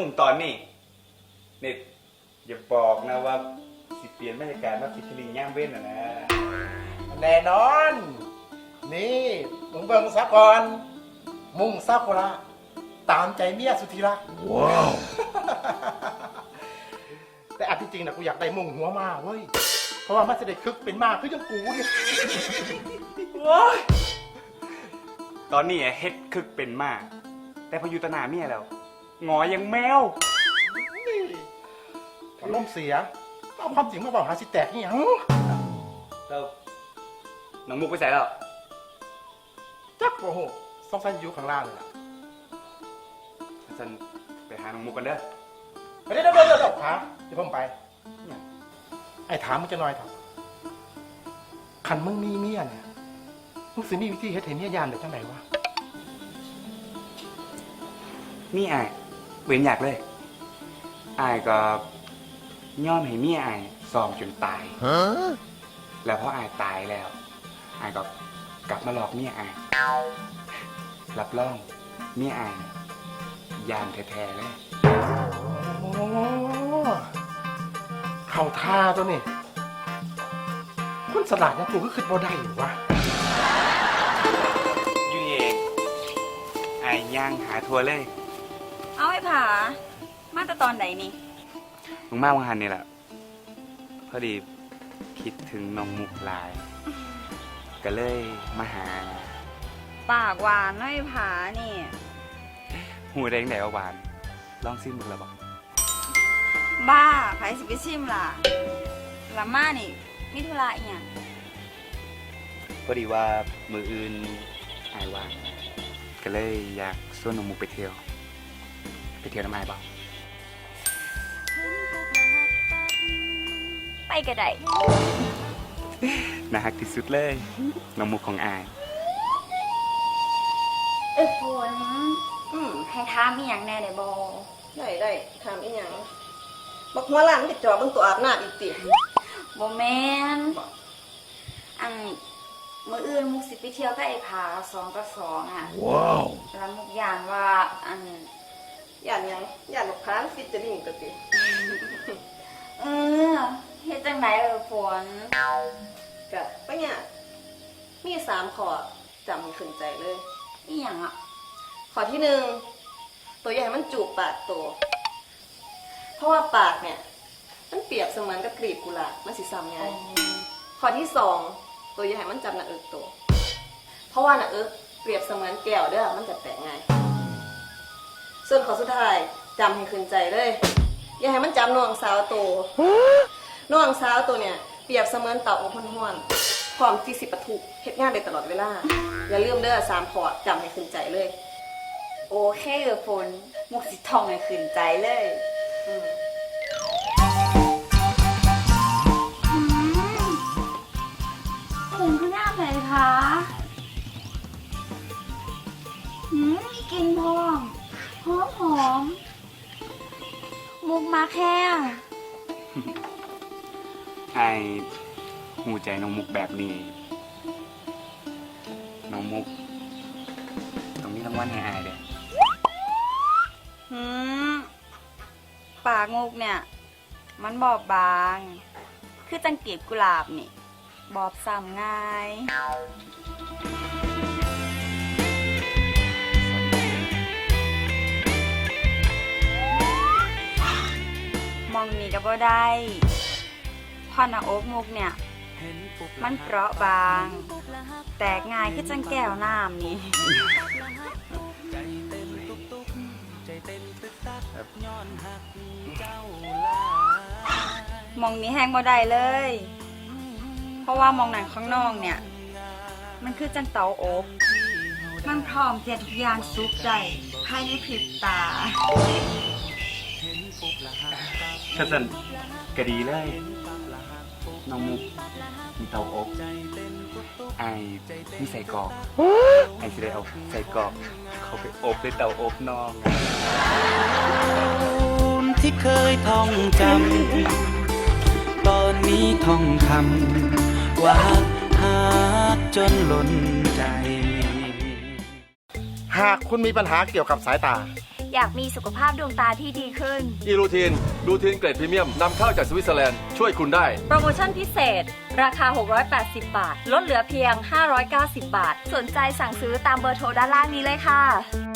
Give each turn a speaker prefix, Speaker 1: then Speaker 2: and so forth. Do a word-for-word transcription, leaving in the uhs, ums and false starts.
Speaker 1: มุ่งตอนนี้เนี่ยอย่าบอกนะว่าสิเปลี่ยนบรรยากาศมาฟิชเชอริงย่างเว้นอ่ะนะ
Speaker 2: แน่นอนนี่มึงเบิ่งซะก่อนมุ่งซากุระตามใจเมียสุธิรักว้าว แต่อันที่จริงนะกูอยากได้มุ่งหัวมาเว้ยเพราะว่ามันจะได้คึกเป็นมากคือยังกูเนี่ย
Speaker 1: ตอนนี้เฮ็ดคึกเป็นมากแต่พออยู่ตะหนาเมียแล้วงอยังแมว
Speaker 2: อารมณ์เสียเอาความจริงมาบอกหาสิแตกนี่ยัง
Speaker 1: แล้วน้องมุกไปใส่แล้ว
Speaker 2: จักโอ้โหสงสัยอยู่ข้างล่างเลยล่ะ
Speaker 1: ฉันไปหาน้องมุกกันเด้อ
Speaker 2: ไปเดี๋ยวเดี๋ยวเดี๋ยวขาเดี๋ยวผมไปไอ้ถามมึงจะน้อยเถอะขันมึงมีเมียเนี่ยมึงสิมีวิธีเฮ็ดให้เมียยานได้จังไดวะ
Speaker 1: มีอายเว้นอยากเลยอายก็ย่อมให้เมียอายซ้อมจนตายแล้วพออายตายแล้วอายก็กลับมาหลอกเมียอายรับรองเมียอายยานแท้ๆเลย
Speaker 2: โอ้เข้าท่าตัวนี่คุณสลัดยังกูก็ขึ้นบ่ได้อยู่วะ
Speaker 1: อยู่นี่เองอายย่างหาทัวร์เลย
Speaker 3: เอาไอ้ผามาแต่ตอนไหนนี่
Speaker 1: มึงมากวังหันนี่แหละพอดีคิดถึงน้องมุกหลายก็เลยมาหา
Speaker 3: ปากหวานน้อยผานี่
Speaker 1: หูแดงแดงหวานลองซิมมึงแล้วบอก
Speaker 3: บ้าไผสิไปชิมล่ะละมานี่มีธุระอีหยัง
Speaker 1: พอดีว่ามืออื่นอายว่างก็เลยอยากชวนน้องมุกไปเที่ยวไปเที่ยวน้ำอายบ่
Speaker 3: ไปก็ได้
Speaker 1: น่าฮักที่สุดเลยน้องมุกของอาย
Speaker 3: เออฝนอืมให้ถามอีหยังแน่ได้บ่
Speaker 4: ได้ได้ถามอีหยังบักหัวล้านติดจอเบิ่งตัวอาบน้ำอีกติ
Speaker 3: บ่แม่นอันมื้ออื่นมุกสิไปเที่ยวกับไอ้ผาสองต่อสองอ่ะว้าวแล้วมุกย่านว่าอัน
Speaker 4: ย่านหยังย่านบักพร้างฟิชเชอริงตัวติ
Speaker 3: เออเฮ็ดจังไดเออฝน
Speaker 4: ก็ปะเนี่ยมีสามข้อจำให้ขึ้นใจเลย
Speaker 3: อีหยังอ่ะ
Speaker 4: ข้อที่หนึ่งตัวใหญ่มันจูบปากตัวเพราะว่าปากเนี่ยมันเปรียบเสมือนกับกลีบกุหลาบมันสิซ้ำไงข้อที่สองตัวใหญ่มันจับหน้าอกตัวเพราะว่าหน้าอกเปรียบเสมือนแก้วเด้อมันจะแตกง่ายส่วนข้อสุดท้ายจำให้ขึ้นใจเลยอย่าให้มันจับน่องสาวตัวน่องสาวตัวเนี่ยเปรียบเสมือนเต่าอบห้วนๆพร้อมที่สิปะทุเฮ็ดงานได้ตลอดเวลาอย่าลืมเด้อสามข้อจำให้ขึ้นใจเลย
Speaker 3: โอเคเออฝนมุกสิท่องให้ขึ้นใจเลยอืมผมคือหน้าไหนคะหืมมีกลิ่นพองหอมหอมมุกมาแค่
Speaker 1: ไอหูใจน้องมุกแบบนี้น้องมุกตรงนี้รางวัลให้อายเด้อ
Speaker 3: หืมปากมุกเนี่ยมันบอบบางคือจังกีบกุหลาบนี่บอบซ้ำง่ายมองนี่ก็บ่ได้พอหน้าอกมุกเนี่ยมันเปราะบางแตกง่ายคือจังแก้วน้ำนี่มองนี้แห้งบ่ได้เลยเพราะว่ามองหนังข้างนอกเนี่ยมันคือจังเตาอบมันพร้อมเทียทุกอย่างสุกใจภายในพริบตา
Speaker 1: ถ้าสั่นก็ดีเลยน้องมุกมีเตาอบไอ้มีใส่กรอกไอ้สิได้เอาใส่กรอกเขาไปอบในเตาอบน้อง
Speaker 5: ที่เคยท่องจำตอนนี้ท่องคำว่าหากจนล้นใจ
Speaker 2: หากคุณมีปัญหาเกี่ยวกับสายตา
Speaker 6: อยากมีสุขภาพดวงตาที่ดีขึ้น
Speaker 7: อีรูทีนรูทีนเกรดพรีเมียมนำเข้าจากสวิตเซอร์แลนด์ช่วยคุณได้
Speaker 6: โปรโมชั่นพิเศษ ราคา หกร้อยแปดสิบ บาท ลดเหลือเพียง ห้าร้อยเก้าสิบ บาท สนใจสั่งซื้อตามเบอร์โทรด้านล่างนี้เลยค่ะ